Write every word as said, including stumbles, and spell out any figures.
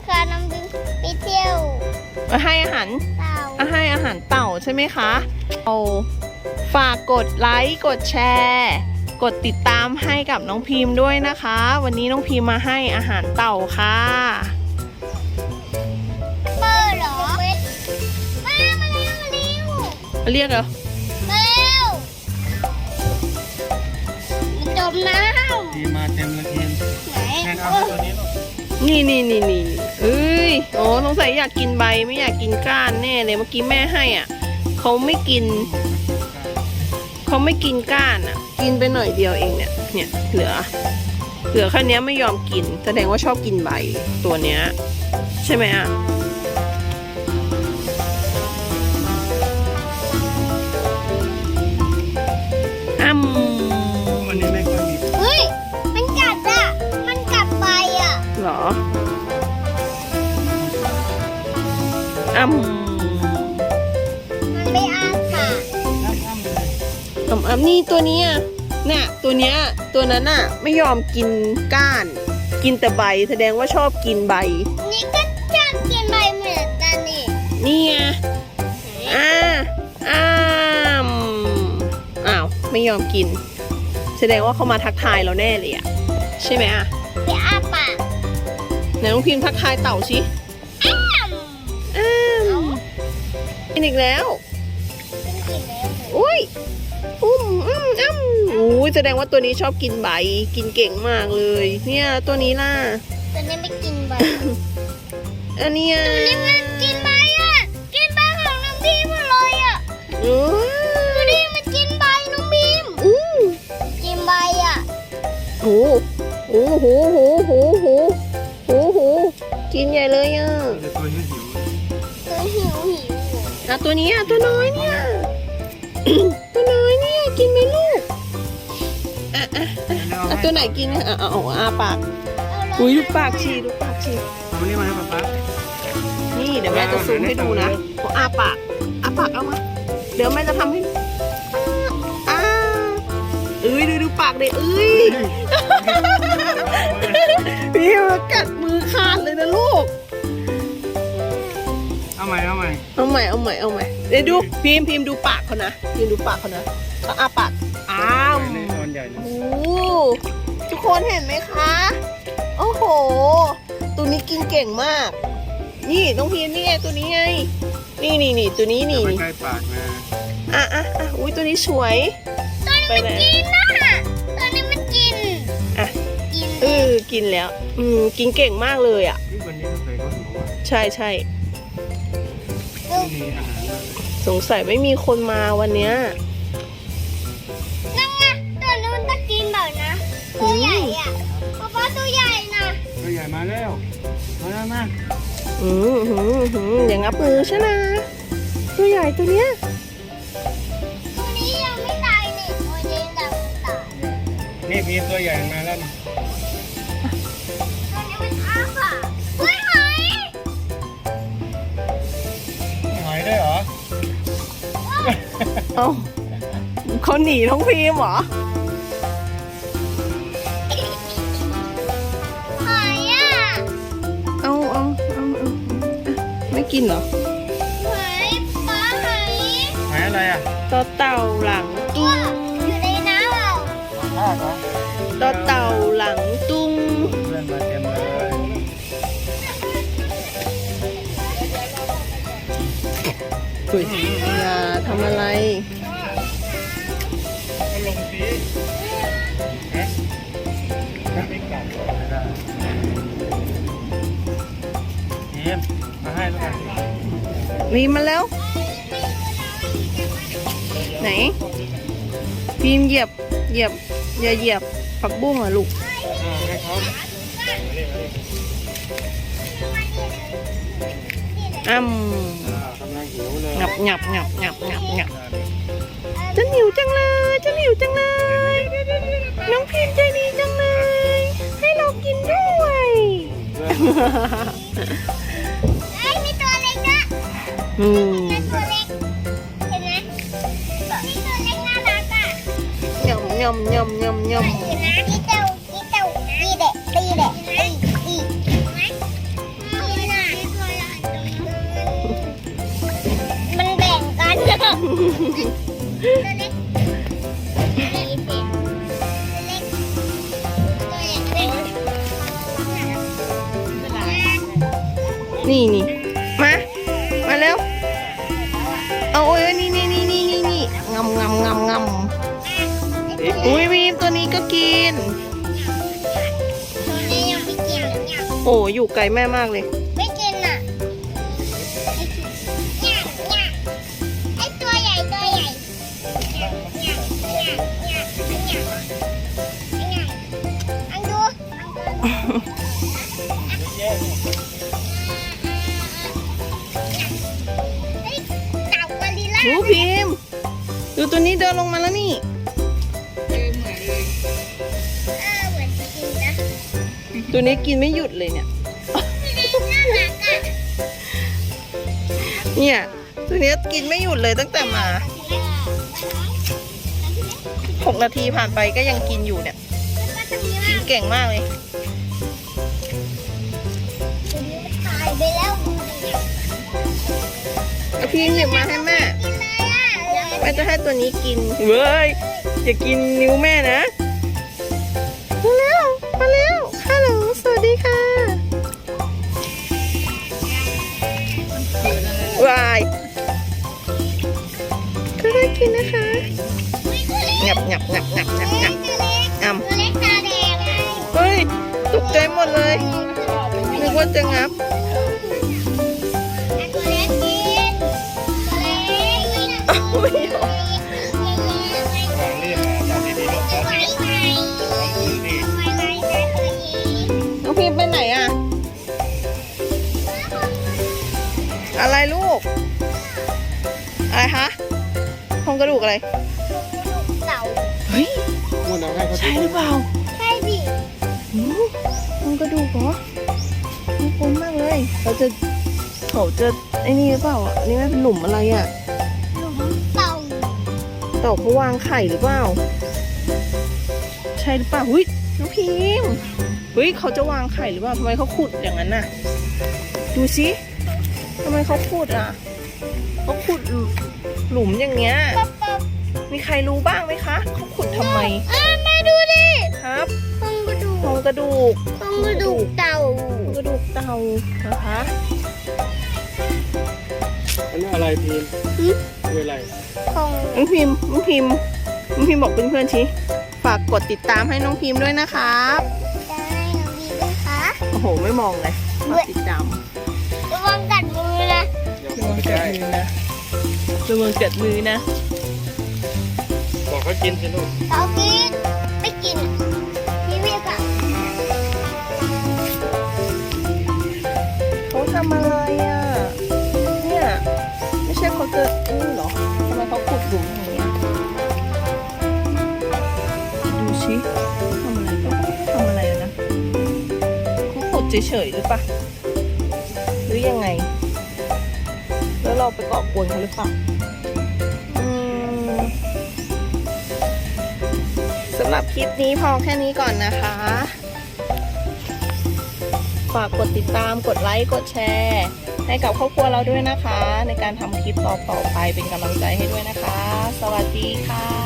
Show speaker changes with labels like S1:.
S1: ค่ะน้องบิมไปเที่ยว
S2: ให้อาหาร
S1: เต่า
S2: ให้อาหารเต่าใช่ไหมคะเอาฝากกดไลค์กดแชร์กดติดตามให้กับน้องพิมพ์ด้วยนะคะ วันนี้น้องพิมพ์มาให้อาหารเต่าค่ะ
S1: เปิดเหรอมามาเร็วมาเร็ว
S2: เรียกเหรอ
S1: มาเร็วมันจมน้ำ
S3: ทีมาเต็มเลยทีม
S1: ไหน
S3: แทนเอาให้ตัวนี้ลูก
S2: นี่นี่นี่นี่เอ้ยโอ้สงสัยอยากกินใบไม่อยากกินก้านแน่เลยเมื่อกี้แม่ให้อ่ะเขาไม่กินเขาไม่กินก้านอ่ะกินไปหน่อยเดียวเองเนี่ยเนี่ยเหลือเหลือแค่นี้ไม่ยอมกินแสดงว่าชอบกินใบตัวเนี้ยใช่ไหมอ่ะอ้ำ
S3: วันนี้ไม่ค่อยมี
S1: เฮ้ยมันกัดอ่ะมันกัดไปอ่ะ
S2: เหรออ้ำ
S1: มันไม่อ้าปาก
S3: น้ำอ้ำเลย
S2: อ้ำอ้ำนี่ตัวเนี้ยน่ะตัวเนี้ยตัวนั้นน่ะไม่ยอมกินก้าน กินแต่ใบแสดงว่าชอบกินใบ
S1: นี่ก็ชอบกินใบเหมือนกันนี่
S2: นี่ไงอ่าอ้ามอ้าวไม่ยอมกิน แสดงว่าเขามาทักทายเราแน่เลยอะใช่ไหมอะ
S1: ไปอ้าปาก
S2: ไหนน้องพิมพ์ทักทายเต่าสิ
S1: อ้าม
S2: อ้ามกินอีกแล้ว
S1: เป็นกินแล้ว
S2: อุ้ยอุ้มอืมอ้ำอุ้ยแสดงว่าตัวนี้ชอบกินใบกินเก่งมากเลย เนี่ยตัวนี้ล่ะ
S1: ตัวนี้ไม่กินใบ
S2: อันเนี้ย
S1: ตัวนี้มันกินใบอ่ะ กินใบของน้องบีมหมดเลยอ่ะ
S2: โอ้ย
S1: ตัวนี้มันกินใบน้องบีม
S2: อู้
S1: กินใบอ่ะ
S2: โหโอ้โหโหโหโหโหโหกินใหญ่เลยอ่ะ
S3: แต่ตัวนี้หิว
S1: ตัวหิวหิว
S2: อ่ะตัวนี้อ่ะตัวน้อยเนี่ย ตัวน้อยเนี่ยกินไหมลูกอ่ะอ่ะอ่ะตัวไหนกินอ่ะอ่ะเอาอาปากอุ้ยดูปากชีดูปากชี
S3: เอาวันนี้มาให้ป๊าป๊า
S2: นี่เดี๋ยวแม่จะซูมให้ดูนะพออาปากอาปากเอามาเดี๋ยวแม่จะทำให้อ่าเอ้ยดูดูปากเลยเอ้ยพี่มากัดมือขาดเลยนะลูก
S3: เอาใหม่เอาใหม่
S2: เอาใหม่เอาใหม่เอาใหม่เดี๋ยวดูพิมพ์พิมพ์ดูปากเขานะพิมพ์ดูปากเขานะเขาอาปากอ้าว
S3: ในตอนใหญ่เลย
S2: โอ้ทุกคนเห็นไหมคะโอ้โหตัวนี้กินเก่งมาก นี่น้องพิมพ์นี่ไงตัวนี้ไงนี่นี่นี่ตัวนี้นี่
S3: ไปใกล้ปากนะ
S2: อ่ะอ่ะอ่ะอุ้ยตัวนี้สวยไปไหน
S1: กินนะตัวนี้มันกิน
S2: อ่ะ
S1: กิน
S2: เออกินแล้วอืมกินเก่งมากเลยอ่ะ
S3: ที่วันนี้ก็เคยเขาหิวอ่ะ
S2: ใช่ใช่
S3: ไม่มีอาหารเลย
S2: สงสัยไม่มีคนมาวันเนี้ย
S1: นั่นไงตัวนี้มันจะกินแบบนะ ตัวใหญ่อ่ะป๊าป๊าตัวใหญ่นะ
S3: ตัวใหญ่มาแล้วมาแล้วมา
S2: อืมหืมหืมอย่างงับมือใช่ไหมตัวใหญ่ตัวเนี้ย
S1: ตัวนี้ยังไม่ตายนี่ตัวนี้ยังไม่ตาย
S3: นี่พีตัวใหญ่มาแล้วนี่
S1: ตัวนี้มันอ้าปากเฮ้ยหอย
S3: หอยด้วยเหรอ
S2: เอ้าเขาหนีน้องพิมพ์เหรอ
S1: หอยอ่ะ
S2: เอาเอาเอาเอาอ่ะไม่กินเหรอ
S1: หอยปลาหอย
S3: หอยอะไรอ่ะ
S2: ต่อเต่าหลังตุ้ง
S1: อยู่ในน้ำเปล่า
S3: ลากเหรอ
S2: ต่อเต่าหลังตุ้ง
S3: เพื่อนมาเต็มเลย
S2: อุ้ยอย่าทำอะไร
S3: ก็ลงสีฮะไม่กลับไม่ได้ทีมมาให้แล้วกัน
S2: มีมาแล้ว ไหนพิมพ์เหยียบเหยียบอย่าเหยียบผักบุ้งอ่ะลูก
S3: อ่าให้เขา
S2: อ้ำ
S3: อ่ากำลังหิวเลย
S2: งับงับงับงับงับงับจะหิวจังเลยจะหิวจังเลย น้องพิมพ์ใจดีจังเลย ให้เรากินด้วย
S1: ไอ้ยมีตัวเล็กนะ
S2: อืม
S1: มีตัวเล็ก เห็นไหมมีตัวเล็กน่ารักอ่ะ
S2: ยำยำยำยำยำ
S1: เห็นไหมมีเต่ามีเต่าดีเด็ดดีเด็ดดีดีเห็นไหมมีตัวเล็กตัวเล็กตัวเล็กตัวใหญ่เล็ก
S2: นี่นี่มา มาเร็ว เอาโอ้ยนี่นี่นี่นี่นี่นี่งำงำงำงำอุ้ยวีมตัวนี้ก็กิน
S1: ตัวนี้ยังไม่กินหรือยัง
S2: โอ้อยู่ไกลแม่มากเลย
S1: ไม่กินอ่ะไม่กินเนี่ยเนี่ยไอตัวใหญ่ตัวใหญ่เนี่ยเนี่ยเนี่ยเนี่ยเนี่ยอันดูเฮ้ยเต่ากอริลลา
S2: ดูพิมพ์ดูตัวนี้เดินลงมาแล้วนี่
S1: เออเหมือนจริงนะ
S2: ตัวนี้กินไม่หยุดเลยเนี่ย
S1: น่ารักอ่ะ
S2: เนี่ยตัวนี้กินไม่หยุดเลยตั้งแต่มาหกนาทีผ่านไปก็ยังกินอยู่เนี่ยกินเก่งมากเลย
S1: ตายไปแล้ว
S2: เอาพิมพ์หยิบมาให้แม่
S1: กินเลยอ่ะ
S2: แม่จะให้ตัวนี้กินเว้ยอย่ากินนิ้วแม่นะมาเร็วมาเร็วฮัลโหลสวัสดีค่ะวายก็ได้กินนะคะงับงับงับงับงับงับงำ
S1: ตัวเล็กตาแดงไง
S2: เฮ้ยตกใจหมดเลยนึกว่าจะงับ
S1: ตัวเล็กกินตัวเล็กกิน
S2: อ้าวไม่ยอม
S3: วางเรียบมาจับดีๆลูกจับดีๆวางมือดี
S2: น้องพิมพ์ไปไหนอะอะไรลูกอะไรคะโครงกระดูกอะไร
S1: เต่า
S2: เฮ้ย
S3: พูดนะให้เขา
S2: ใช่หรือเปล่า
S1: ใช่ดิ
S2: หือโครงกระดูกเหรอน่ากลัวมากเลยเราจะเขาจะไอ้นี่หรือเปล่าอ่ะอันนี่มันเป็นหลุมอะไรอ่ะ
S1: หลุมเต่า
S2: เต่าเขาวางไข่หรือเปล่าใช่หรือเปล่าหุ้ยน้องพิมพ์เฮ้ยเขาจะวางไข่หรือเปล่าทำไมเขาขุดอย่างนั้นน่ะดูสิทำไมเขาขุดอ่ะเขาขุดหลุมอย่างเงี้ย
S1: ป๊บป๊บ
S2: มีใครรู้บ้างไหมคะเขาขุดทำไม
S1: อ่ะแม่ดูดิ
S2: ครับ
S1: โครงกระดูก
S2: โครงกระดูก
S1: โครงกระดูกเต่า
S2: โครงกระดูกเต่านะคะ
S3: อันนี้อะไรพีนคืออะไร
S1: โครง
S2: น้องพิมพ์น้องพิมพ์น้องพิมพ์บอกเพื่อนๆชิฝากกดติดตามให้น้องพิมพ์ด้วยนะครับ
S1: ได้น้องดีด้วยคะ
S2: โอ้โหไม่มองเลยฝากติดตาม
S1: ระวังกัดมือนะ
S3: เดี๋ยว
S2: ระ
S3: เขา
S2: วัง
S3: ไป
S2: กั
S3: ใก
S2: ด
S3: ล้
S2: มือนะระวังกัดมือนะ
S3: บอกเขากินสิลูก
S1: เต่ากินไม่กินพี่พี่ค่ะ
S2: เขาทำอะไรอ่ะเนี่ยไม่ใช่เขาจะนี่เหรอทำไมเขาขุดหลุมอย่างเงี้ยดูชิทำอะไรก็ทำอะไรอะนะเขาขุดเฉยๆหรือปะหรือยังไง แล้วเราไปเกาะกวนเขาหรือเปล่าอืมสำหรับคลิปนี้พอแค่นี้ก่อนนะคะ ฝากกดติดตาม กดไลค์ กดแชร์ ให้กับครอบครัวเราด้วยนะคะ ในการทำคลิปต่อๆไปเป็นกำลังใจให้ด้วยนะคะ สวัสดีค่ะ